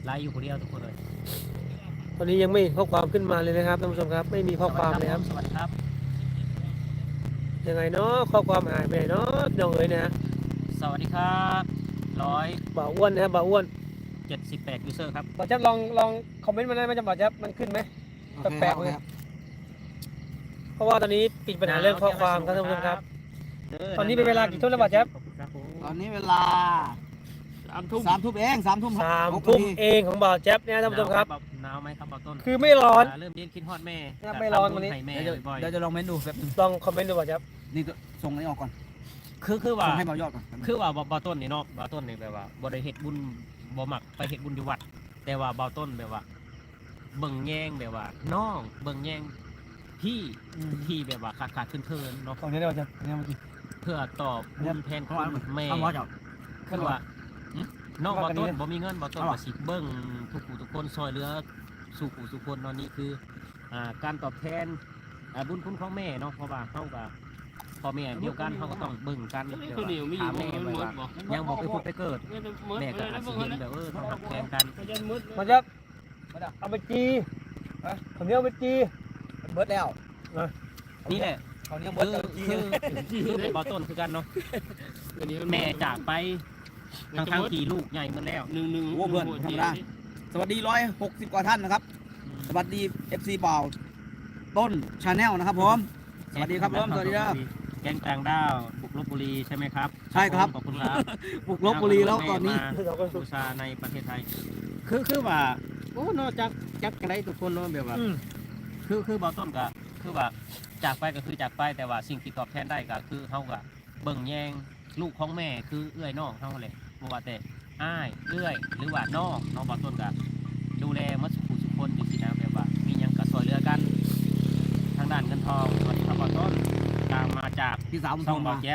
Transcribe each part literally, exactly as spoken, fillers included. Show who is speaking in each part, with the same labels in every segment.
Speaker 1: ไลฟ์อยู่คนเดียวทุกคนเลย
Speaker 2: ตอนนี้ยังไม่เห็นข้อความขึ้นมาเลยนะครับท่านผู้ชมครับไม่มีข้อความเลยครับ
Speaker 1: สวัสดีครับ
Speaker 2: ยังไงเนาะข้อความหายไปไหนเนาะน้องเอ๋ยนะ
Speaker 1: สวัสดีครับร้อย
Speaker 2: บ่าวอ้วนนะครับบ่าวอ้วน
Speaker 1: เจ็ดสิบแปดยูเซอร์ครับ
Speaker 2: บ่าวจับลองลองคอมเมนต์มาได้ไหมจะบ่าวจับมันขึ้นไหมแปลกๆเลยเพราะว่าตอนนี้ติดปัญหาเรื่องข้อความครับท่านผู้ชมครับ ตอนนี้เป็นเวลากี่ทุ่มแล้วบ่าวจับ
Speaker 3: ตอนนี้เวลา
Speaker 1: สามทุ่ม
Speaker 3: สามทุ่มเองสามทุ่ม
Speaker 2: สาม
Speaker 3: หก
Speaker 2: ทุ่ม
Speaker 3: นาที
Speaker 2: เองของบ่าวแจ๊บเนี่ยท่านผู้ชมครับ
Speaker 1: หนาวไหมครับบ่าวต้น
Speaker 2: คือไม่ร้อน
Speaker 1: เริ่มเย็นคิดฮอดแม่
Speaker 2: ครับไม่ร้อนวันนี้
Speaker 1: ให้แม่
Speaker 3: เดี๋ยว
Speaker 1: บ่อย
Speaker 3: เดี๋ยวจะลองเมนดูแป๊บนึง
Speaker 2: ลองคอมเมนต์ดูบ่าวจับ
Speaker 3: นี่ส่งอันนี้ออกก่อน
Speaker 1: ๆคือคือว่า
Speaker 3: ส่งให้เบายอดก่อน
Speaker 1: คือว่าบ่าวต้นนี่เนาะบ่าวต้นนี่แบบว่าบ่ได้เฮ็ดบุญบ่มักไปเฮ็ดบุญอยู่วัด แต่ว่าบ่าวต้นแบบว่า เบิ่งแยงแบบว่าน้องเบิ่งแยงพี่ที่แบบว่าขาดขาดเคินๆเนาะ
Speaker 2: ตรงนี้ได้บ่าวจับเนี่ยมัน
Speaker 1: เพื่อตอบบุญแทนคุณแม่
Speaker 3: เอาวอดออก
Speaker 1: คือว่าหึน้องบ่ต้นบ่มีเงินบ่ต้นบ่สิเบิ่งทุกผู้ทุกคนซอยเหลือสู่ผู้สู่คนเนาะนี่คืออ่าการตอบแทนอ่าบุญคุณของแม่เนาะเพราะว่าเฮาก็พ่อแม่เดียวกันเฮาก็ต้องเบิ่งกันแบบว่าถามแม่ไว้ว่ายังบ่ไปพุดไปเกิดแม่ก็อาจสิเห็นแบบเออต้องหักแพงกัน
Speaker 2: บ่าวจับเอาไปจีผมนี้เอาไปจี
Speaker 3: เบิร์ดแล้ว
Speaker 1: นี่แหละ
Speaker 3: เขาเนี่ยเบิร์
Speaker 1: คื
Speaker 3: ด
Speaker 1: อ
Speaker 3: แล้ว
Speaker 1: คือคือเป็นบ่ต้นคือกันเนาะแม่จากไปทั้งทางที่ลูกใหญ่หมดแล้ว
Speaker 4: หนึ่งหนึ่ง
Speaker 3: โอ้เพื่อนธรรมดาสวัสดีร้อยหกสิบกว่าท่านนะครับ สวัสดี เอฟ ซี เปล่าต้นชาแนลนะครับผมสวัสดีครับผมสวัสดีครับ
Speaker 1: แก๊งต่างด้าวบุกลบบุรีใช่ไหมครับ
Speaker 3: ใช่ครับ
Speaker 1: ขอบคุณครับ
Speaker 3: บุกลบบุรีแล้วตอนนี้
Speaker 1: มาบูชาในประเทศไทย คือคือว่าโอ้เนอกจากจักกันได้ทุกคนเนาะแบบว่า
Speaker 2: อืม
Speaker 1: คือคือบ่ต้นก็คือว่าจากไปก็คือจากไปแต่ว่าสิ่งที่ตอบแทนได้ก็คือเฮาก็เบิ่งแยงลูกของแม่คือเอื้อยน้องเฮาแหละบ่ว่าแต่อ้ายเอื้อยหรือว่าน้องน้องบ่ต้นก็ดูแลหมดสุขสุขคนอยู่ที่นะแบบว่ามีหยังก็ช่วยเหลือกัน ทางด้านเงินทองสวัสดีครับบ่ต้นตามมาจาก
Speaker 3: พี่สาวผม
Speaker 1: ช่
Speaker 3: ส่
Speaker 1: อง
Speaker 3: ง
Speaker 1: บ่
Speaker 3: มา
Speaker 1: แจ๊บ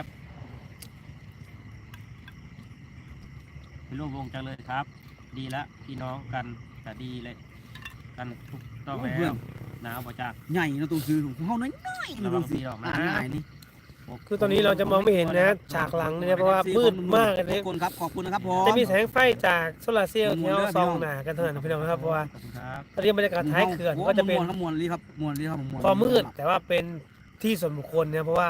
Speaker 1: เป็นร่วมวงจังเลยครับ ดีละพี่น้องกันก็ดีเลยกันถูกต้องแล้วหนาวบ่จ้า
Speaker 3: ใหญ่นะตัวคือของเขาน้อยๆนะตัวคืออ่านง่ายนี่
Speaker 2: คือตอนนี้เราจะมองไม่เห็นนะฉากหลังเนี่ยเพราะว่ามืดมากเลย
Speaker 3: ขอบคุณครับขอบคุณนะครับผม
Speaker 2: จะมีแสงไฟจากโซลาร์เซลล์ที่เราส่องหนากันเท่านั้นพี่น้องครับเพราะว่า
Speaker 1: ขอบคุณครับ
Speaker 2: ตอนนี้บรรยากาศท้ายเขื่อนก็จะเป็น
Speaker 3: มวลครับมวลนี่ครับมวลนี่ครับผมมวล
Speaker 2: ความมืดแต่ว่าเป็นที่ส่วนบุคคลเนี่ยเพราะว่าม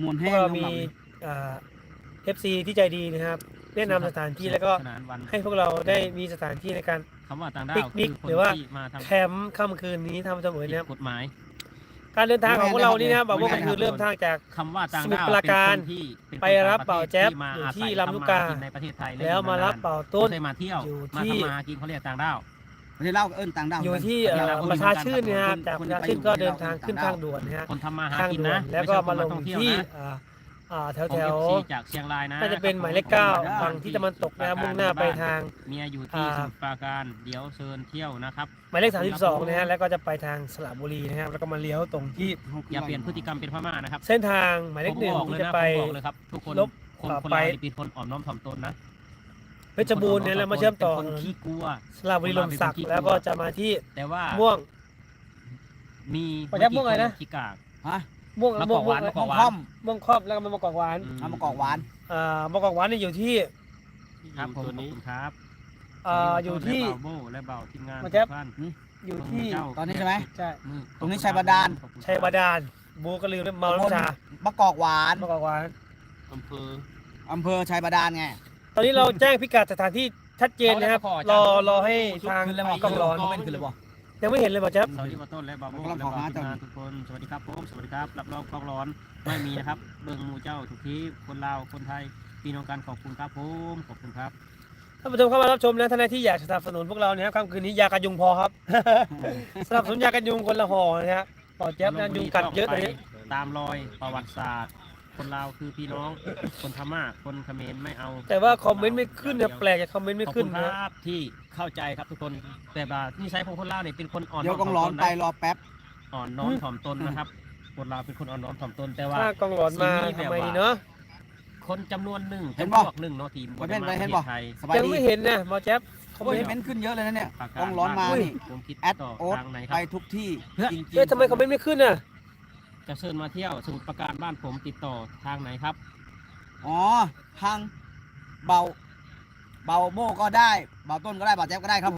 Speaker 3: วล
Speaker 2: พ
Speaker 3: แห้
Speaker 2: ว
Speaker 3: ง
Speaker 2: กเรา
Speaker 3: ครับ
Speaker 2: มีเอฟซีที่ใจดีนะครับแนะนำสถานที่แล้วก็
Speaker 1: สนานวัน
Speaker 2: ให้พวกเราได้มีสถานที่ในการ
Speaker 1: คำว่าต่างดาว
Speaker 2: ปิกนิก
Speaker 1: คือคน
Speaker 2: หรือว่า
Speaker 1: ที่มาทำ
Speaker 2: แคมป์ค่ำคืนนี้ทำเสมอนะครับ
Speaker 1: กฎหมาย
Speaker 2: การเดินทางของพวกเรานี่นะครับบอกว่าก็คือเริ่มทางจาก
Speaker 1: คำว่าต่าง
Speaker 2: สมุท
Speaker 1: ดาร ว
Speaker 2: ปราการ
Speaker 1: เป็นคนที่เป็นคน
Speaker 2: ไปรับ
Speaker 1: ต่ง
Speaker 2: เป่า
Speaker 1: ประทศ
Speaker 2: แจ๊บ
Speaker 1: ที่มา
Speaker 2: อยู่
Speaker 1: อาศั
Speaker 2: ที่ลำลูกกา
Speaker 1: ทำมหในประเทศไทย
Speaker 2: แล้วมารับเป่าต้น
Speaker 1: ไม่ใช่มาเที่ยว
Speaker 2: อยู่
Speaker 1: มา
Speaker 2: ที่
Speaker 1: ทำมาหากินเขาเรียกต่างดาว
Speaker 3: ประเทศลาวเอิ้นต่างดาว
Speaker 2: อยู่ที่เอ่อประชาชื่นนะครับจากประชาชื่นก็เดินทางขึ้นทางด่วนนะฮะ
Speaker 1: คนทำมาหา
Speaker 2: ทาง
Speaker 1: กิน
Speaker 2: ด่วน
Speaker 1: นะ
Speaker 2: แล้วก็มาลง
Speaker 1: ไใช่คนท่อเยว
Speaker 2: ที่
Speaker 1: นะ
Speaker 2: อ่าอ่าแถว
Speaker 1: ของ
Speaker 2: แถว
Speaker 1: เอฟซีจากเชียงรายนะ
Speaker 2: น่าจะเป็นหมายเลขเก้าฝั่งที่ตะวันตกนะครับมุ่งหน้าไปทาง
Speaker 1: เมียอยู่ที่
Speaker 2: อ่า
Speaker 1: สมุทรปราการเดี๋ยวเชิญเที่ยวนะครับ
Speaker 2: หมายเลขสามสิบสองนะฮะแล้วก็จะไปทางสระบุรีนะครับแล้วก็มาเลี้ยวตรงที่
Speaker 1: อย่าเปลี่ยนพฤติกรรมเป็นพม่านะครับ
Speaker 2: เส้นทางหมายเลขหนึ่ง
Speaker 1: ผมบอกเลย
Speaker 2: ที่จะ
Speaker 1: นะ
Speaker 2: ไป
Speaker 1: ผมบอกเลยครับทุกคน
Speaker 2: ลบ
Speaker 1: คน
Speaker 2: ต่อ
Speaker 1: คน
Speaker 2: ไป
Speaker 1: เรานี่เป็นคนอ่อนน้อมถ่อมตนนะ
Speaker 2: เพชรบูรณ์เนี่ยแล้วมาเชื่อมต่อ
Speaker 1: เป็นคนขี้กลัว
Speaker 2: สระบุรีลมศักดิ์แล้วก็จะมาที่
Speaker 1: แต่ว่า
Speaker 2: ม่วง
Speaker 1: มี
Speaker 2: ขอยับม่วงอะไรนะ
Speaker 1: ขี้กาก
Speaker 3: ฮะ
Speaker 2: ม่วง
Speaker 1: มะก
Speaker 2: ม่ว
Speaker 1: อง กห
Speaker 2: ม่ว
Speaker 1: วาง นมะก
Speaker 3: ม่
Speaker 1: อ
Speaker 3: ว
Speaker 1: ก
Speaker 3: ง
Speaker 1: หวา
Speaker 3: ค่อน ม
Speaker 2: ม่วงครอบแล้วก็มะมะกอกหวาน
Speaker 3: เอามากอกหวาน
Speaker 2: อ่ามะกอกหวานเนี่ยอยู่ที่
Speaker 1: ครับผม
Speaker 4: ตัว
Speaker 1: ขอบ
Speaker 4: นี้
Speaker 1: คุณครับ
Speaker 2: อ่าอยู่ที่
Speaker 1: และเบาโบและเบาทีมงาน
Speaker 2: มาแจ๊บ
Speaker 1: ทุกท่าน
Speaker 2: อยู่ที่
Speaker 1: เจ้า
Speaker 3: ตอนนี้ใช่ไหม
Speaker 2: ใช่
Speaker 1: มือ
Speaker 3: ตรงนี้ชัยบาดาล
Speaker 1: ขอบคุณครับ
Speaker 2: ชัยบาดาลบูก็ลืมเมาน้ำชาม
Speaker 3: ะกอกหวาน
Speaker 2: มะกอกหวาน
Speaker 4: อำเภอ
Speaker 3: อำเภอชัยบาดาลไง
Speaker 2: ตอนนี้เราแจ้งพิกัดสถานที่ชัดเจนนะครับรอรอให้ทาง
Speaker 3: ขึ้นแล้วบอก
Speaker 2: กล้องร้อน
Speaker 3: คอมเมนต์ขึ้นเลยบอก
Speaker 2: ยังไม่เห็นเลยป่ะจ๊บ
Speaker 1: สวัสดีมาต้นและบาโบ
Speaker 3: กำลัง
Speaker 1: และ
Speaker 3: ขอ
Speaker 1: เบา
Speaker 3: หา
Speaker 1: ทีม
Speaker 3: เจ้า
Speaker 1: งานทุกคนสวัสดีครับผมสวัสดีครับรับรองกล้องร้อนไม่มีนะครับเบิ่งหมู่เจ้าทุกทีคนลาวคนไทยพี่น้องกันขอบคุณครับผมขอบคุณครับ
Speaker 2: ท่านผู้ชมเข้ามารับชมนะท่านใดที่อยากสนับสนุนพวกเราเนี่ยครับค่ำคืนนี้ยากันยุงพอครับ สนับสนุนยากันยุงคนละห่อนะฮะต่อแจ๊บนะยุงกัดเยอะตอนนี้
Speaker 1: ตามรอยประวัติศาสตร์ คนลาวคือพี่น้องคนพม่าคนเขมรไม่เอา
Speaker 2: แต่ว่าคอมเมนต์ไม่ขึ้นเนี่ยแปลกจากคอมเมนต์ไม่
Speaker 1: ขอบ
Speaker 2: ขึ้
Speaker 1: คุ
Speaker 2: น
Speaker 1: ณค
Speaker 2: นะ
Speaker 1: รับที่เข้าใจครับทุกคนแต่ว่านิสัยของคนลาวเนี่ยเป็นคนอ่อน
Speaker 3: เดี๋ยว
Speaker 1: น้
Speaker 3: ก
Speaker 1: อ
Speaker 3: อ
Speaker 1: ม
Speaker 3: ง
Speaker 1: ถ่
Speaker 3: ร้
Speaker 1: อ
Speaker 3: อ
Speaker 1: ม
Speaker 3: น
Speaker 1: ตน
Speaker 3: ไป
Speaker 1: นะ
Speaker 3: รอแป๊บ
Speaker 1: อ่อนน้อมถ่อมตนนะครับคนลาวเป็นคนอ่อนน้อมถ่อมตนแต่ว่า
Speaker 2: ถ้ากองหลอนมาทำไมดีเนาะ
Speaker 1: คนจำนวนหนึ่ง
Speaker 3: เห็น
Speaker 1: จำ
Speaker 3: บ่
Speaker 1: พวกหนึ่งเนาะทีม
Speaker 3: ไปเป็นไปเห็น
Speaker 1: ป
Speaker 3: บ่
Speaker 1: ระทศไทย
Speaker 3: สบาย
Speaker 2: ยัง
Speaker 3: ดี
Speaker 2: ไม่เห็นนะหมอแจ๊บเขา
Speaker 3: โอ้ย
Speaker 2: ไม่
Speaker 3: เม้นต์ขึ้นเยอะเลยนะเนี่ย
Speaker 1: ปาก
Speaker 3: กองร้อนมานี่
Speaker 1: ผมคิด
Speaker 3: แอด
Speaker 1: ต่อ
Speaker 3: โอ๊ต
Speaker 1: ทางไหนค
Speaker 3: ไป
Speaker 1: รับ
Speaker 3: ทุกที่จริงๆ
Speaker 2: เอ๊ะทำไมคอมเมนต์ไม่ขึ้นน่ะ
Speaker 1: จะเชิญมาเที่ยวสมุทรปราการบ้านผมติดต่อทางไหนครับ
Speaker 3: อ๋อทางเบาเบาโม่ก็ได้เบาต้นก็ได้เบาแจ๊บก็ได้ครับ